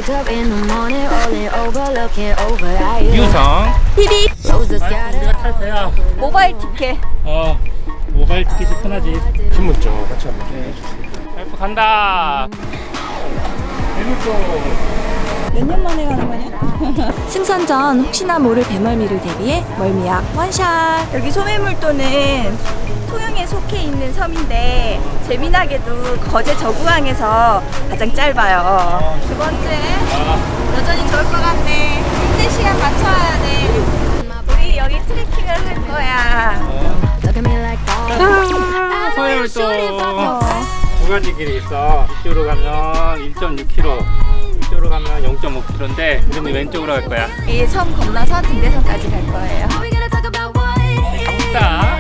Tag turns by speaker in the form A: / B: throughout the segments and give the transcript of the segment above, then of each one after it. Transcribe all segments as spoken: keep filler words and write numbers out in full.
A: 유성
B: 티비
A: 우리가 탈 배야.
B: 모바일 티켓.
A: 어 모바일 티켓이 편하지.
C: 신분증 같이 한번 좀 해주세요.
A: 와이프 간다.
B: 몇 년 만에 가는 거냐? 승선 전 혹시나 모를 배멀미를 대비해 멀미약 원샷. 여기 소매물도는 통영에 속해 있는 섬인데 재미나게도 거제 저구항에서 가장 짧아요. 두 번째, 여전히 좋을 것 같네. 힘든 시간 맞춰야 돼. 우리 여기 트레킹을 할 거야.
A: 소해물도 두 가지 길이 있어. 이쪽으로 가면 일 점 육 킬로미터, 이쪽으로 가면 영 점 오 킬로미터인데 우리는 왼쪽으로 갈 거야.
B: 이 섬 건너서 등대섬까지 갈 거예요.
A: 가봅시다.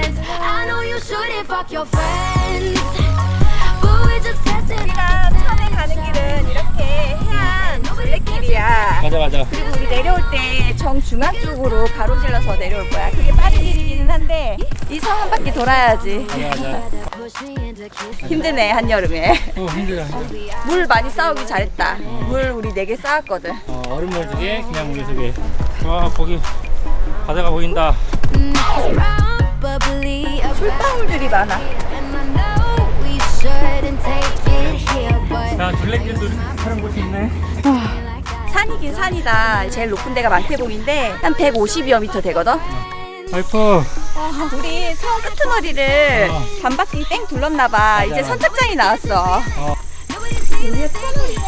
B: 우리가 처음에 가는 길은 이렇게 해안 둘레길이야.
A: 맞아 맞아.
B: 그리고 우리 내려올 때 정중앙 쪽으로 가로질러서 내려올 거야. 그게 빠른 길이기는 한데 이 섬 한 바퀴 돌아야지.
A: 맞아.
B: 힘드네 한여름에.
A: 어 힘들어.
B: 물 많이 쌓우기 잘했다. 물 우리 네 개 쌓았거든.
A: 어 얼음물 두 개, 그냥 물 두 개. 와 거기 바다가 보인다.
B: 솔방울들이 많아.
A: 야 둘레길도 다른 곳이 있네.
B: 산이긴 산이다. 제일 높은 데가 망태봉인데 한 백오십여 미터 되거든.
A: 와이프
B: 우리 섬 끄트머리를
A: 어.
B: 반 바퀴 땡 둘렀나봐. 이제
A: 맞아.
B: 선착장이 나왔어.
A: 어.
B: 우리가 터널이네.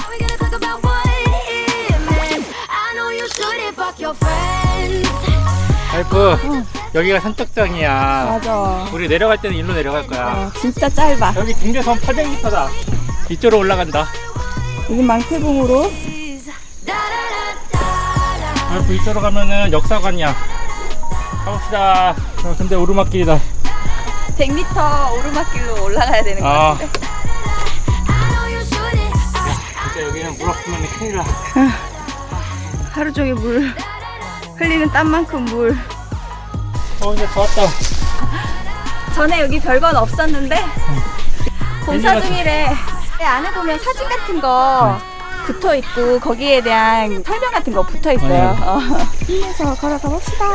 A: 와이프 여기가 선착장이야.
B: 맞아.
A: 우리 내려갈 때는 일로 내려갈 거야.
B: 어, 진짜 짧아.
A: 여기 등대섬 팔백 미터다. 이쪽으로 올라간다.
B: 여기 망태봉으로.
A: 와이프 이쪽으로 가면은 역사관이야. 가봅시다. 어, 근데 오르막길이다.
B: 백 미터 오르막길로 올라가야 되는 것
A: 아.
B: 같은데.
A: 진짜 여기는 물 없으면 큰일 나.
B: 하루 종일 물 흘리는 땀만큼 물.
A: 어 이제 다 왔다.
B: 전에 여기 별건 없었는데 공사 중이래. 안에 보면 사진 같은 거 붙어 있고 거기에 대한 설명 같은 거 붙어 있어요. 어. 힘내서 걸어가 봅시다.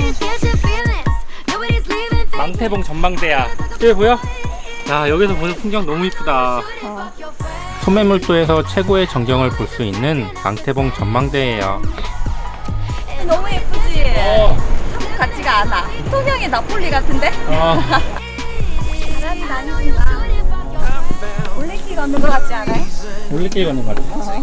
A: 망태봉 전망대야. 여기 보여? 야 여기서 보는 풍경 너무 이쁘다.
B: 어.
A: 소매물도에서 최고의 전경을 볼 수 있는 망태봉 전망대예요.
B: 너무 예쁘지?
A: 어.
B: 한국 같지가 않아. 통영의 나폴리 같은데?
A: 어.
B: 바람이 많이 분다. 올레길 걷는 것 같지 않아요?
A: 올레길 걷는 거 같아.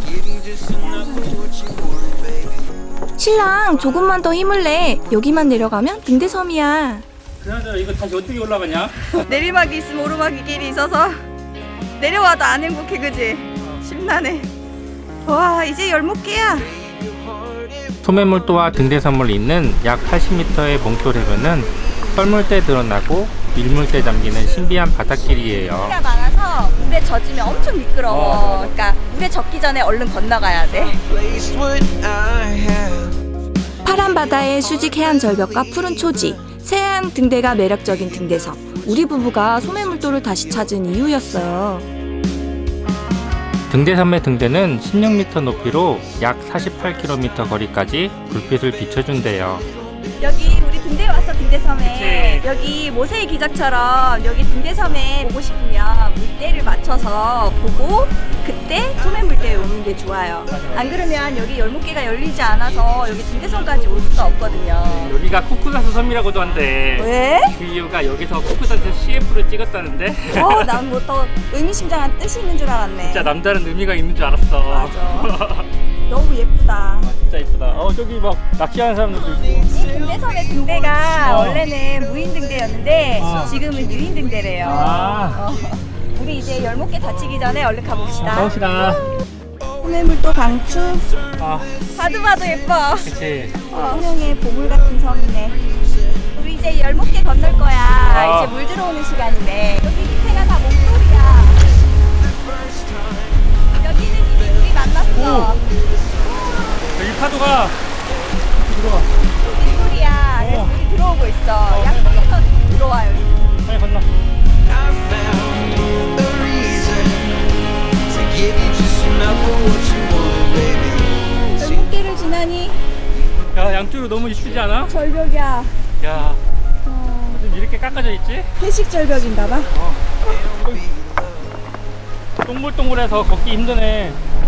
B: 신랑 조금만 더 힘을 내. 여기만 내려가면 등대섬이야.
A: 그나저나 이거 다시 어떻게 올라가냐?
B: 내리막이 있으면 오르막이 길이 있어서 내려와도 안 행복해, 그지? 심란해. 와, 이제 열목 개야.
A: 소매물도와 등대섬을 잇는 약 팔십 미터의 몽돌 해변은 썰물대 드러나고 밀물대 잠기는 신비한 바닷길이에요.
B: 물가 많아서 물에 젖으면 엄청 미끄러워.
A: 어, 맞아.
B: 그러니까 물에 젖기 전에 얼른 건너가야 돼. 파란 바다의 수직 해안 절벽과 푸른 초지, 새하얀 등대가 매력적인 등대섬. 우리 부부가 소매물도를 다시 찾은 이유였어요.
A: 등대섬의 등대는 십육 미터 높이로 약 사십팔 킬로미터 거리까지 불빛을 비춰준대요.
B: 여기 우리 등대 왔어, 등대섬에.
A: 그치.
B: 여기 모세의 기적처럼 여기 등대섬에 오고 싶으면 물때를 맞춰서 보고 그때 소매물대에 오는 게 좋아요. 안 그러면 여기 열목개가 열리지 않아서 여기 등대섬까지 올 수가 없거든요.
A: 여기가 쿠쿠다스 섬이라고도 한대.
B: 왜?
A: 그 이유가 여기서 쿠쿠다스 씨에프를 찍었다는데.
B: 어, 난 뭐 더 의미심장한 뜻이 있는 줄 알았네.
A: 진짜 남다른 의미가 있는 줄 알았어.
B: 맞아. 너무 예쁘다.
A: 아, 진짜 이쁘다. 어 저기 막 낚시하는 사람들도 있고.
B: 이 등대섬의 등대가
A: 어.
B: 원래는 무인 등대였는데
A: 어.
B: 지금은 유인 등대래요.
A: 아.
B: 어. 우리 이제 열목개 다치기 전에 얼른 가봅시다.
A: 가봅시다.
B: 소매물도 강추.
A: 아
B: 봐도 봐도 예뻐.
A: 그치.
B: 어, 통영의 보물 같은 섬이네. 우리 이제 열목개 건널 거야.
A: 아.
B: 이제 물 들어오는 시간이네. 여기 밑에가 다 목돌이야. 여기는 이미 우리 만났어.
A: 여기 파도가 들어와.
B: 일몰이야. 그래서
A: 어.
B: 물이 들어오고 있어.
A: 어.
B: 약간 들어와요.
A: 빨리 건너.
D: Give you just enough of what you want, baby.
B: 아니
A: 야, 양쪽으로 너무 이쁘지 않아?
B: 절벽이야.
A: 야,
B: 어,
A: 좀 이렇게 깎아져 있지?
B: 회식 절벽인가봐.
A: 동글동글해서 걷기 힘드네.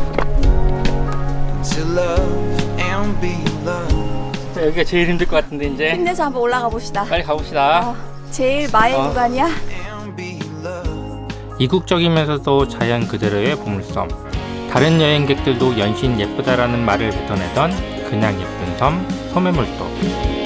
D: to love and be loved.
A: 진짜 여기가 제일 힘들 것 같은데 이제
B: 힘내서 한번 올라가 봅시다.
A: 빨리 가봅시다.
B: 어, 제일 마의
A: 어.
B: 구간이야.
D: And be loved.
A: 이국적이면서도 자연 그대로의 보물섬. 다른 여행객들도 연신 예쁘다라는 말을 뱉어내던 그냥 예쁜 섬 소매물도.